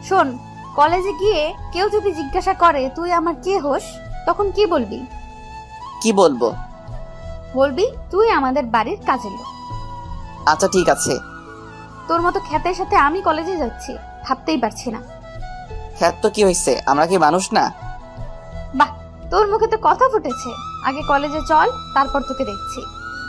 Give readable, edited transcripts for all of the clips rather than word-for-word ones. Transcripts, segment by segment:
শোন, কলেজে গিয়ে কেউ যদি জিজ্ঞাসা করে তুই আমার কে হোস, তখন কি বলবি? কি বলবো? বলবি তুই আমাদের বাড়ির কাজের লোক। আচ্ছা ঠিক আছে। তোর মতো খ্যাতের সাথে আমি কলেজে যাচ্ছি, ভাবতেই পারছি না। খ্যাত তো কি হয়েছে, আমরা কি মানুষ না? বাহ, তোর মুখে তো কথা ফুটেছে। আগে কলেজে চল, তারপর তোকে দেখছি।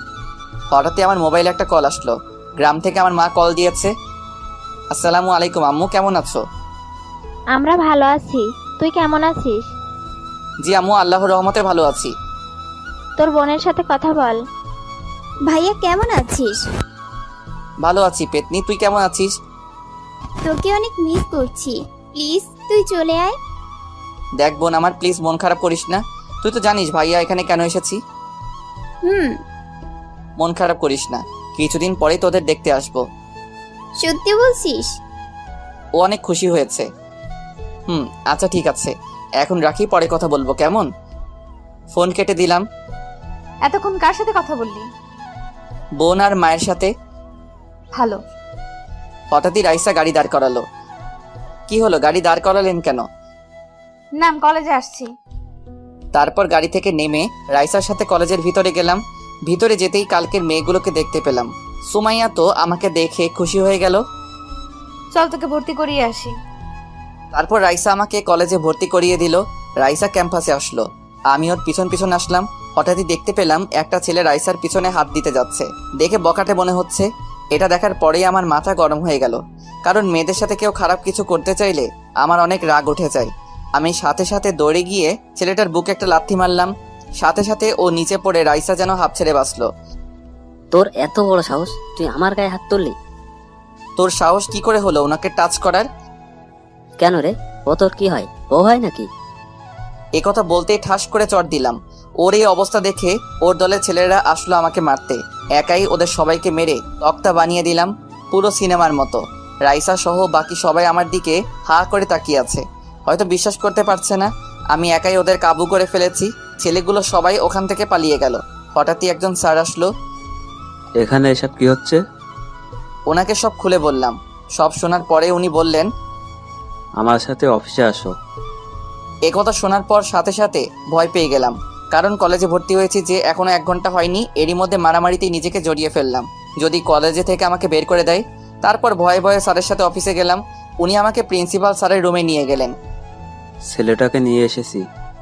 হঠাৎই আমার মোবাইলে একটা কল আসলো। গ্রাম থেকে আমার মা কল দিয়েছে। আসসালামু আলাইকুম আম্মু, কেমন আছো? আমরা ভালো আছি, তুই কেমন আছিস? জি আম্মু, আল্লাহর রহমতে ভালো আছি। তোর বোনের সাথে কথা বল। ভাইয়া কেমন আছিস? ভালো আছি পেতনি, তুই কেমন আছিস? তোকে অনেক মিস করছি, প্লিজ তুই চলে আয়। দেখ বোন আমার, প্লিজ মন খারাপ করিস না। তুই তো জানিস ভাইয়া এখানে কেন এসেছি। হুম। মন খারাপ করিস না, কিছুদিন পরেই তোদের দেখতে আসবো। সত্যি বলছিস? ও অনেক খুশি হয়েছে। আচ্ছা ঠিক আছে, এখন রাখি, পরে কথা বলবো কেমন? ফোন কেটে দিলাম। এতক্ষণ কার সাথে কথা বললি? বোন আর মায়ের সাথে। ভালো। হঠাৎই রাইসা গাড়ি দাঁড় করালো। কি হলো, গাড়ি দাঁড় করালেন কেন? নাম, কলেজে আসছি। তারপর গাড়ি থেকে নেমে রাইসার সাথে কলেজের ভিতরে গেলাম। ভিতরে যেতেই কালকের মেয়েগুলোকে দেখতে পেলাম। সুমাইয়া তো আমাকে দেখে খুশি হয়ে গেল। চল তোকে ভর্তি করিয়ে আসি। তারপর রাইসা আমাকে কলেজে ভর্তি করিয়ে দিল। রাইসা ক্যাম্পাসে আসলো, আমি ওর পিছন পিছন আসলাম। হঠাৎই দেখতে পেলাম একটা ছেলে রাইসার পিছনে হাত দিতে যাচ্ছে। দেখে বকাটে মনে হচ্ছে। এটা দেখার পরেই আমার মাথা গরম হয়ে গেল, কারণ মেয়েদের সাথে কেউ খারাপ কিছু করতে চাইলে আমার অনেক রাগ উঠে যায়। আমি সাথে সাথে দৌড়ে গিয়ে ছেলেটার বুকে একটা লাথি মারলাম। সাথে সাথে ও নিচে পড়ে রাইসা যেন হাঁপ ছেড়ে বাঁচলো। তোর এত বড় সাহস, তুই আমার গায়ে হাত তুললি? তোর সাহস কি করে হলো ওনাকে টাচ করার? কেন রে, ও তোর কি হয়, ও হয় নাকি? একথা বলতেই ঠাস করে চড় দিলাম। ওর এই অবস্থা দেখে ওর দলের ছেলেরা আসলো আমাকে মারতে। একাই ওদের সবাইকে মেরে তক্তা বানিয়ে দিলাম, পুরো সিনেমার মতো। রাইসা সহ বাকি সবাই আমার দিকে হা করে তাকিয়ে আছে, হয়তো বিশ্বাস করতে পারছে না আমি একাই ওদের কাবু করে ফেলেছি। ছেলেগুলো সবাই ওখান থেকে পালিয়ে গেল। হঠাৎই একজন স্যার আসলো। এখানে এসব কি হচ্ছে? ওনাকে সব খুলে বললাম। সব শোনার পরে উনি বললেন, আমার সাথে অফিসে আসো। একথা শোনার পর সাথে সাথে ভয় পেয়ে গেলাম, কারণ কলেজে ভর্তি হয়েছি যে এখনো 1 ঘন্টা হয়নি, এরই মধ্যে মারামারিতেই নিজেকে জড়িয়ে ফেললাম। যদি কলেজে থেকে আমাকে বের করে দেয়। তারপর ভয়ে ভয়ে স্যারের সাথে অফিসে গেলাম। উনি আমাকে প্রিন্সিপাল স্যারের রুমে নিয়ে গেলেন। ছেলেটাকে নিয়ে এসেছি।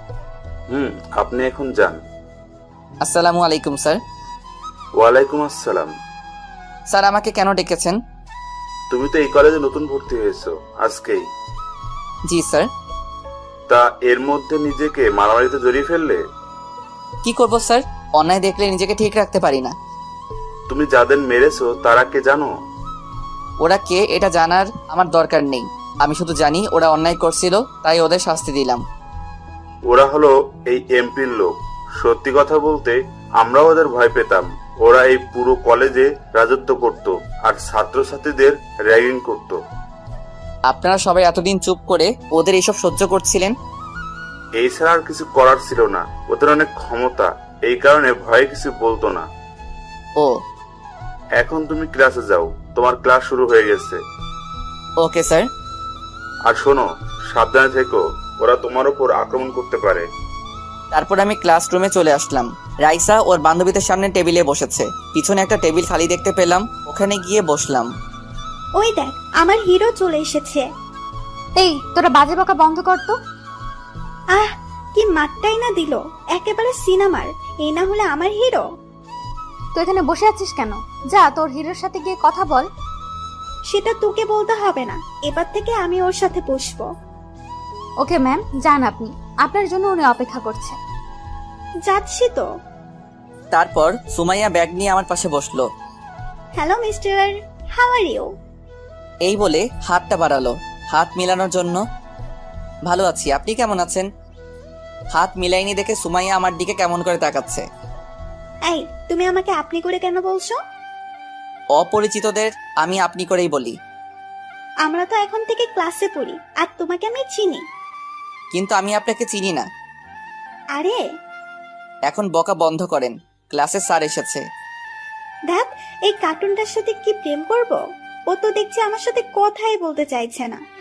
আপনি এখন যান। আসসালামু আলাইকুম স্যার। ওয়ালাইকুম আসসালাম। স্যার আমাকে কেন ডেকেছেন? তুমি তো এই কলেজে নতুন ভর্তি হয়েছো আজকেই। জি স্যার। তা এর মধ্যে নিজেকে মারামারিতে জড়িয়ে ফেললে? কি করব স্যার, অন্যায় দেখলে নিজেকে ঠিক রাখতে পারি না। তুমি যাদের মেরেছো তারা কে জানো? ওরা কে এটা জানার আমার দরকার নেই। আমি শুধু জানি ওরা অন্যায় করছিল, তাই ওদের শাস্তি দিলাম। ওরা হলো এই এমপির লোক। সত্যি কথা বলতে আমরাও ওদের ভয় পেতাম। ওরা এই পুরো কলেজে রাজত্ব করত আর ছাত্রছাত্রীদের র্যাগিং করত। আপনারা সবাই এতদিন চুপ করে ওদের এইসব সহ্য করছিলেন। এই ছাড়া আর কিছু করার ছিল না। ওদের অনেক ক্ষমতা, এই কারণে ভয়ে কিছু বলতো না। ও, এখন তুমি ক্লাসে যাও, তোমার ক্লাস শুরু হয়ে গেছে। Okay sir. আর শোনো, সাবধানে থেকো, ওরা তোমার উপর আক্রমণ করতে পারে। তারপর আমি ক্লাসরুমে চলে আসলাম। রাইসা ওর বান্ধবীদের সামনে টেবিলে বসেছে। পিছনে একটা টেবিল খালি দেখতে পেলাম, ওখানে গিয়ে বসলাম। ওই দেখ, আমার হিরো চলে এসেছে। এই, তোরা বাজে বকা বন্ধ কর তো। আহ, কি মারটাই না দিল, একেবারে সিনেমার। এই না হলে আমার হিরো। তো এখানে বসে আছিস কেন? যা তোর হিরোর সাথে গিয়ে কথা বল। সেটা তোকে বলতে হবে না, এবার থেকে আমি ওর সাথে বসবো। ওকে ম্যাম, যান আপনি, আপনার জন্য উনি অপেক্ষা করছে। যাচ্ছি তো। তারপর সুমাইয়া ব্যাগ নিয়ে আমার পাশে বসলো। Hello mister, how are you? এই বলে হাতটা বাড়ালো হাত মিলানোর জন্য। ভালো আছি, আপনি কেমন আছেন? হাত মিলাইনি দেখে সুমাইয়া আমার দিকে কেমন করে তাকাচ্ছে। এই, তুমি আমাকে আপনি করে কেন বলছো? অপরিচিতদের আমি আপনি করেই বলি। আমরা তো এখন থেকে ক্লাসে পড়ি, আর তোমাকে আমি চিনি। কিন্তু আমি আপনাকে চিনি না। আরে এখন বকা বন্ধ করেন, ক্লাসে স্যার এসেছে। দেখ, এই কার্টুনটার সাথে কি প্রেম করব? ও তো দেখছি আমার সাথে কথাই বলতে চাইছে না।